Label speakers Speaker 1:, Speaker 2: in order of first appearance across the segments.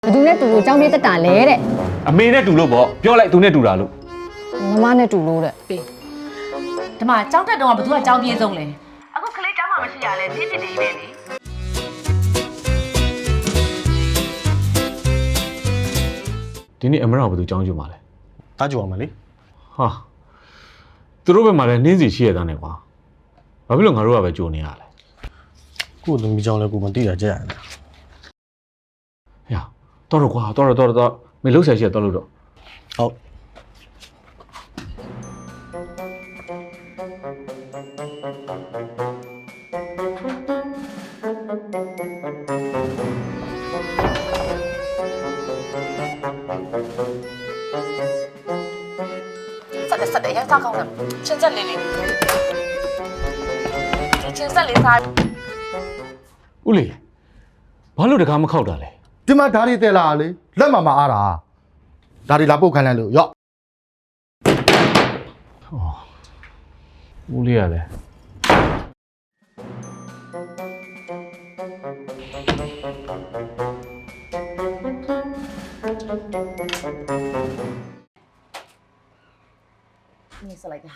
Speaker 1: ဘသူနဲ့တူလို့ကြောင်းပြေးတက်တာလဲတဲ့အ
Speaker 2: မေနဲ့တူလို့ပေါ့ပြောလိုက်သူနဲ့တူတာလို့
Speaker 1: မမနဲ့တူလို့တဲ့
Speaker 3: ပေးဒီမှာကြောင်းတက်တော့ကဘသူကကြောင်းပြေးဆုံးလဲအခုကလေးကြောင်းမှမရှိရလဲပြစ်ပြစ်နေပဲလေ
Speaker 2: ဒီနေ့အမရဘသူကြောင်းကြမှာလဲ
Speaker 4: တားကြည့်အောင်မလေး
Speaker 2: ဟာသူတို့ဘက်မှာလည်းနှင်းစီရှိရတဲ့နဲ့ကွာဘာဖြစ်လို့ငါတို့ကပဲကြိုနေရလဲ
Speaker 4: ကို့သမီးကြောင့်လည်းကိုမသိတာကြက်ရတယ်
Speaker 2: ဟဲ့တော့ကွာတော့မင်းလှုပ်ရှားရှိရတော့လို့တော့
Speaker 4: ဟုတ်
Speaker 3: ဆက်တယ်ရစားကောင်းတယ်ချင်းဆက်လေးလေးချင်းဆက်လေးစား
Speaker 2: ဦးလေးဘာလို့တကားမခောက်တာလဲ
Speaker 5: ဒီမှာဓာရီတဲလာလေလက်မမအားတာဓာရီလာပုတ်ခိုင်းလိုက်လို့ရော့
Speaker 2: ဦးလေးရလဲ
Speaker 3: နေစလိုက်တာ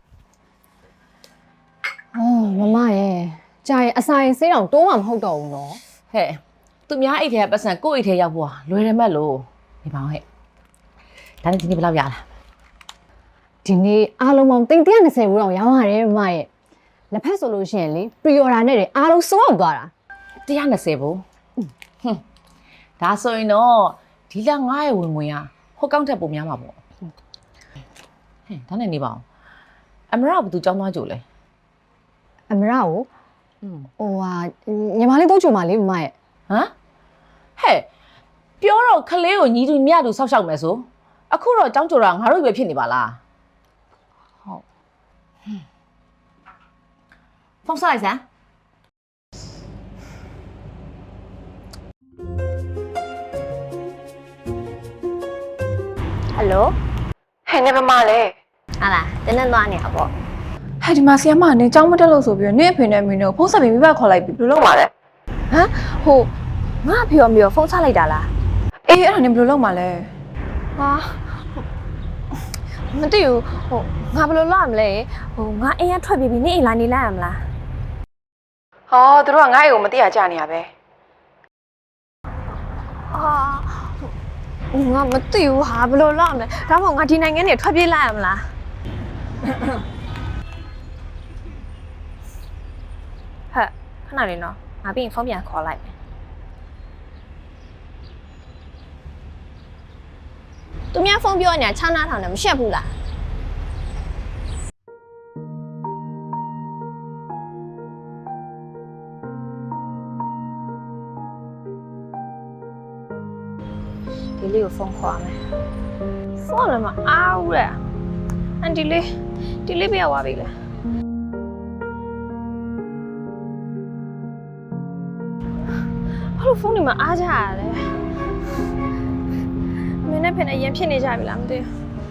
Speaker 1: အော်မမရဲ့ကြာရင်အစာရင်ဆေးတောင်တိုးမှမဟုတ်တော့ဘူးနော်
Speaker 3: ဟဲ့သူများအိတ်ထဲကပတ်စံကိုယ့်အိတ်ထဲရောက်ဖို့လွယ်တယ်မဲ့လို့နေပါအောင်ဟဲ့ဒါနဲ့ဒီနေ့ဘယ်လောက်ရလား
Speaker 1: ဒီနေ့အားလုံးပေါင်း320ဘူးတော့ရောင်းရတယ်မမရဲ့လက်ဖက်ဆိုလို့ရှိရင်လေပရီအော်ဒါနဲ့တွေအားလုံးစိုးအောင်သွားတာ
Speaker 3: 120ဘူးဟွန်းဒါဆိုရင်တော့ဒီလ9ရဲ့ဝင်ဝင်ကဟိုကောက်ထက်ပုံများမှာပေါ့ဟဲ့ဒါနဲ့နေပါအောင်အမရဘသူကြောင်းသွားကြိုလဲ
Speaker 1: အမရကိုဟိုဟာညီမလေးတော့ကြုံပါလေမမရဲ့
Speaker 3: ဟမ်ဟဲ့ပြောတော့ခလေးကိုညီသူမြသူဆောက်ရှောက်မယ်ဆိုအခုတော့ကြောင်းကြိုတာငါတို့ပဲဖြစ်နေပါလားဟုတ်ဖုန်းဆက်လိုက်စမ်းဟယ်လို
Speaker 6: ဟဲ့နေမမလဲ
Speaker 1: ဟာလားတင်းနဲ့သွားနေတာပေါ့
Speaker 6: ဟဲ့ဒီမှာဆီယမကနေကြောင်းမတက်လို့ဆိုပြီးတော့နေအဖေနဲ့အမေနဲ့ဖုန်းဆက်ပြီးမိဘခေါ်လိုက်ပြီးဘယ်လိုလုပ်မှာလဲ
Speaker 1: ဟမ်ဟိုငါဖေော်မေော်ဖုန်းချလိုက်တာလား
Speaker 6: အေးအဲ့ဒါနေဘယ်လိုလုပ်မှာလဲ
Speaker 1: ဟာမသိဘူးဟိုငါဘယ်လိုလုပ်ရမလဲဟိုငါအိမ်ကထွက်ပြီးပြီနေအိမ်လာနေလိုက်ရမလား
Speaker 6: ဟောသူတို့ကငါ့အိမ်ကိုမသိရကြနေရပဲ
Speaker 1: ဟာငါမသိဘူးဟာဘယ်လိုလုပ်ရမလဲဒါမှမဟုတ်ငါဒီနိုင်ငံနေထွက်ပြေးလိုက်ရမလားဟဲ့ခဏလေးနော်ငါပြီးရင်ဖုန်းပြန်ခေါ်လိုက်မယ်သူများဖုန်းပြောနေတာ6နားထောင်တယ်မရှက်ဘူးလားဒီလေးကိုဖုန်းခေါ်ရမယ်ဖုန်းလည်းမအားဘူးတဲ့အန်ဒီလေးပြရသွားပြီလေဘာလို့ဖုန်းတွေမှာအားကြရလဲမင်းနဲ့ဖင်နဲ့ရန်ဖြစ်နေကြပြီလားမသိဘူး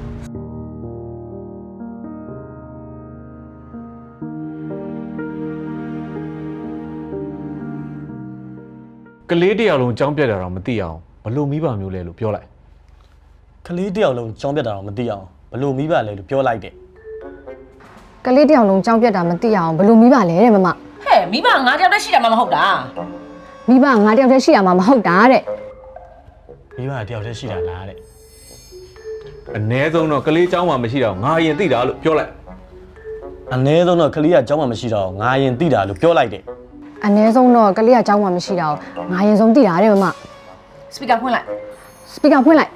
Speaker 2: ကလေးတယောက်လုံးကြောင်းပြတ်တာတော့မသိအောင်ဘလို့မိဘမျိုးလဲလို့ပြောလိုက်က
Speaker 4: လေးတယောက်လုံးကြောင်းပြတ်တာတော့မသိအောင်ဘလို့မိဘလဲလို့ပြောလိုက်တယ်
Speaker 1: ကလေးတယောက်လုံးကြောင်းပြတ်တာမသိအောင်ဘယ်လိုမိဘလဲတဲ့မမ
Speaker 3: ဟဲ့မိဘငါတယောက်တည်းရှိတာမှမဟုတ်တာ
Speaker 1: မိဘငါတယောက်တည်းရှိရမှာမဟုတ်တာတဲ့
Speaker 4: မိဘတယောက်တည်းရှိတာလားတဲ့
Speaker 2: အ ਨੇ ဆုံးတော့ကလေးကြောင်းမှမရှိတော့ငါအရင်သိတာလို့ပြောလိုက်
Speaker 4: အနည်းဆုံးတော့ကလေးကကြောင်းမှမရှိတော့ငါရင်သိတာလို့ပြောလိုက်တယ်
Speaker 1: အနည်းဆုံးတော့ကလေးကကြောင်းမှမရှိတာကိုငါရင်ဆုံးသိတာတဲ့မမ
Speaker 3: စပီကာဖွင့်လိုက်
Speaker 1: စပီကာဖွင့်လိုက်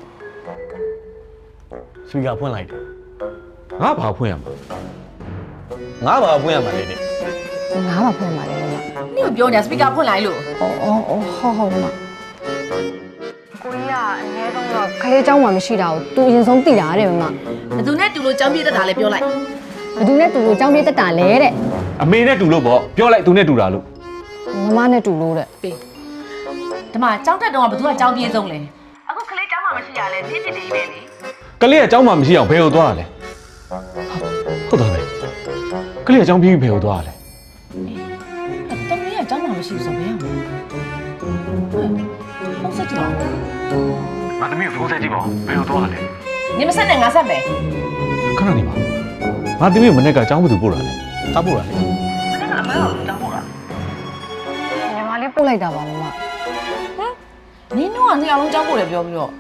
Speaker 4: စပီကာဖွင့်လိုက်တယ်
Speaker 2: ငါဘာဖွင့်ရမှာ
Speaker 4: ငါဘာဖွင့်ရမှာလဲတဲ့
Speaker 1: ငါးပါဖွင့်ပါလေမမ
Speaker 3: နင့်ကိုပြောနေတာစပီကာဖွင့်လိုက်လို့
Speaker 1: အော်ဟုတ်မမကိုကြီးကအနည်းဆုံးတော့ကလေးကြောင်းမှမရှိတာကိုသူအရင်ဆုံးသိတာတဲ့မမ
Speaker 3: ဘသူနဲ့တူလို့ကြောင်းပြေးတတ်တာလဲပြောလိုက်
Speaker 1: ဘသူနဲ့တူလို့ကြောင်းပြေးတက်တာလဲတဲ့
Speaker 2: အမေနဲ့တူလို့ပေါ့ပြောလိုက်သူနဲ့တူတာလို့
Speaker 1: မမနဲ့တူလို့တဲ့
Speaker 3: ပေးဒီမှာကြောင်းတက်တော့ကဘသူကကြောင်းပြေးဆုံးလဲအခုကလေးကြောင်းမှမရှိရလဲပြစ်ပြစ်နေပဲလေ
Speaker 2: ကလေးကကြောင်းမှမရှိအောင်ဘယ်ကိုသွားရလဲဟုတ်တယ်ကလေးကကြောင်းပြေးပြီးဘယ်ကိုသွားရလဲ
Speaker 3: တမီးကကြောင်းမှမရှိဘူးဆိုဘယ်ရမလဲဟုတ်စက်ကြည့်
Speaker 2: သမီးကိုဖုန်းဆက်ကြည့်ပါဦးဘယ်လိုသွားလဲ
Speaker 3: နေမဆက်နဲ့ငါဆက်မယ်
Speaker 2: ခဏနေပါငါသမီးကိုမနေ့ကကျောင်းဘူးသူပို့တာလေ
Speaker 4: တောက်ဖို့ရလေ
Speaker 1: ညီမလေးပို့လိုက်တာပါမမ
Speaker 3: နင်းတို့ကနှစ်ယောက်လုံးကြောက်ဖို့လေပြောပြီးတော့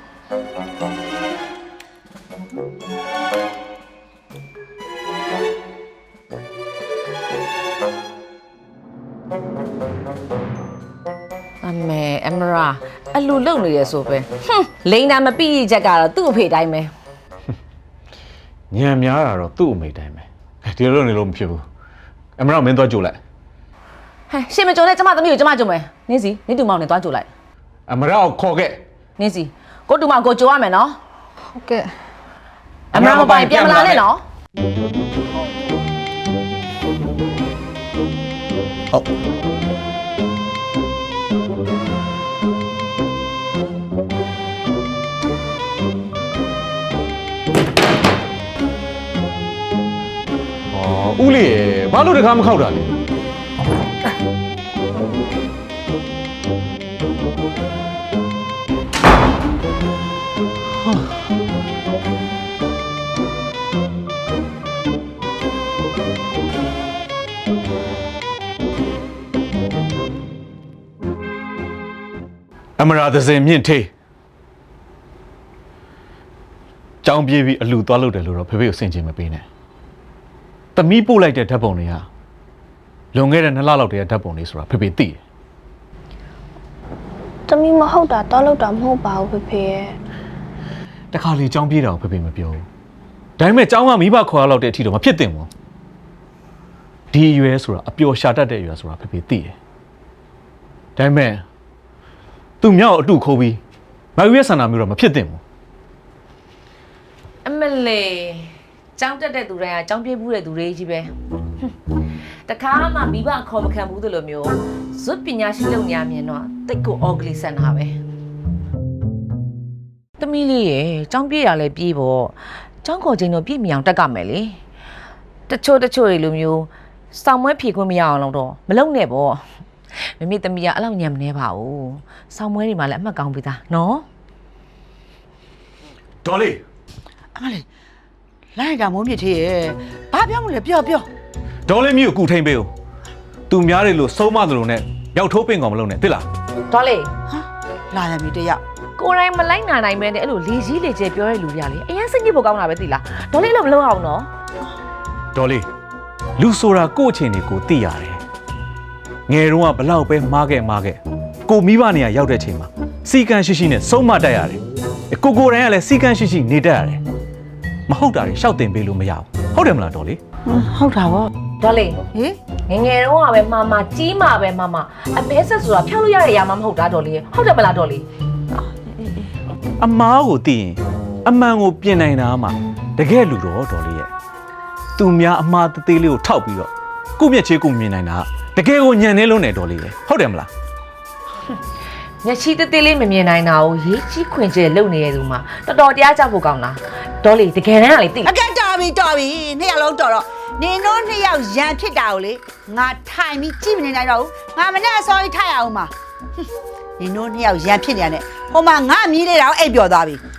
Speaker 3: အမရာအလူလုံနေရဆိုပဲလိန်နာမပြည့်ရချက်ကတော့သူ့အဖေတိုင်းပဲ
Speaker 2: ညံများတာတော့သူ့အမိတိုင်းပဲဒီလိုနေလို့မဖြစ်ဘူးအမရမင်းသွားကြိုလိုက်
Speaker 3: ဟဲ့ရှင်မကြုံနဲ့ကျမသမီးကိုကျမကြုံမယ်နင်းစီနင်းတူမောင်နဲ့သွားကြိုလိုက်
Speaker 2: အမရကိုခေါ်ခဲ့
Speaker 3: နင်းစီကိုတူမောင်ကိုကြိုရမယ်နော်
Speaker 1: ဟုတ်ကဲ့
Speaker 3: အမရာမပိုင်ပြန်မလာနဲ့နော်
Speaker 4: ဟုတ်
Speaker 2: ဩဦးလေးဘာလို့တခါမခောက်တာလဲ အမရာသစင်မြင့်ထေးကြောင်းပြေးပြီးအလူသွားလို့တယ်လို့တော့ဖေဖေကိုစင်ချင်မပေးနဲ့တမီးပို့လိုက်တဲ့ဓာတ်ပုံတွေကလွန်ခဲ့တဲ့2လလောက်တည်းကဓာတ်ပုံတွေဆိုတာဖေဖေသိတယ်
Speaker 7: တမီးမဟုတ်တာတော့လောက်တာမဟုတ်ပါဘူးဖေဖေရဲ့
Speaker 2: တခါလေကြောင်းပြေးတာကိုဖေဖေမပြောဘူးဒါပေမဲ့ကြောင်းကမိဘခေါ်ရလောက်တဲ့အထိတော့မဖြစ်သင့်ဘူးဒီအရွယ်ဆိုတာအပျော်ရှာတတ်တဲ့အရွယ်ဆိုတာဖေဖေသိတယ်ဒါပေမဲ့သူမြောက်အတုခိုးပြီးမယူရဲ့ဆန္ဒမျိုးတော့မဖြစ်သင့်ဘူး
Speaker 3: အမလေးကျောင်းတက်တဲ့သူတိုင်းကကျောင်းပြေးဘူးတဲ့သူတွေကြီးပဲတခါမှမိဘခေါ်မခံဘူးသလိုမျိုးဇွတ်ပညာရှိလုံညာမြင်တော့တိတ်ကိုအော်ဂလီဆန်တာပဲသမီးလေးရေကျောင်းပြေးရလဲပြေးပေါ့ကျောင်းခေါ်ချိန်တော့ပြည့်မီအောင်တက်ကမယ်လေတချို့တွေလိုမျိုးစောင်းမွဲဖြေခွင့်မရအောင်တော့မလုံနဲ့ပေါ့မမေသမီးကအဲ့လောက်ညံမနေပါဘူးစောင်းမွဲတွေမှာလည်းအမှတ်ကောင်းပြီသားနော်
Speaker 2: ဒေါ်လေး
Speaker 8: အမလေးလိုက်တာမိုးမြစ်သေးရဲ့ဘာပြောမလဲပြော
Speaker 2: ဒေါ်လေးမျိုးကိုကူထိန်ပေးဦးသူများတွေလို့ဆုံးမသလိုနဲ့ရောက်ထိုးပင်ကောင်မလုပ်နဲ့သိလား
Speaker 3: ဒေါ်လေး
Speaker 8: ဟာလာရပြီတယောက်
Speaker 3: ကိုယ်တိုင်မလိုက်နာနိုင်မဲနဲ့အဲ့လိုလေကြီးလေကျဲပြောတဲ့လူတွေကလေအရင်စိတ်ညစ်ဖို့ကောင်းတာပဲသိလားဒေါ်လေးလို့မလုပ်အောင်နော်
Speaker 2: ဒေါ်လေးလူဆိုတာကိုယ့်အချိန်တွေကိုသိရတယ်ငယ်တုန်းကဘလောက်ပဲမားခဲ့ကိုမိဘနေရာရောက်တဲ့အချိန်မှာစီကံရှိရှိနဲ့ဆုံးမတတ်ရတယ်ကိုယ်တိုင်ကလည်းစီကံရှိရှိနေတတ်ရတယ်မဟုတ်တာတွေရှောက်တင်ပေးလို့မရဘူးဟုတ်တယ်မလားဒေါ်လေး
Speaker 8: ဟုတ်တာဗော
Speaker 3: ဒေါ်လေး
Speaker 8: ဟေး
Speaker 3: ငယ်တုန်းကပဲမမကြီးမှာပဲမမအမဲဆက်ဆိုတာဖြောက်လို့ရတဲ့ຢာမှမဟုတ်တာဒေါ်လေးဟုတ်တယ်မလားဒေါ်လေး
Speaker 2: အမားကိုသိရင်အမှန်ကိုပြင်နိုင်တာမှတကယ်လူတော့ဒေါ်လေးရဲ့သူများအမှားတသေးလေးကိုထောက်ပြီးတော့ကိုမျက်ချေကိုမြင်နိုင်တာတကယ်ကိုညံနေလုံးနေဒေါ်လေးပဲဟုတ်တယ်မလား
Speaker 3: မျက်ချီသေးသေးလေးမမြင်နိုင်တာကိုရေးကြီးခွင်ကျဲလုံနေရသူမှာတော်တော်တရားကြဖို့ကောင်းလားဒေါ်လေးတကယ်တမ်းကလေသိ
Speaker 8: အကဲတော်ပြီနှစ်ယောက်လုံးတော်တော့နင်တို့နှစ်ယောက်ရန်ဖြစ်တာကိုလေငါထိုင်ပြီးကြည့်မနေနိုင်တော့ဘူးငါမနဲ့အစောကြီးထိုင်အောင်ပါနင်တို့နှစ်ယောက်ရန်ဖြစ်နေရတယ်ဟိုမှာငါမြည်လေးတော့အိပ်ပျော်သွားပြီ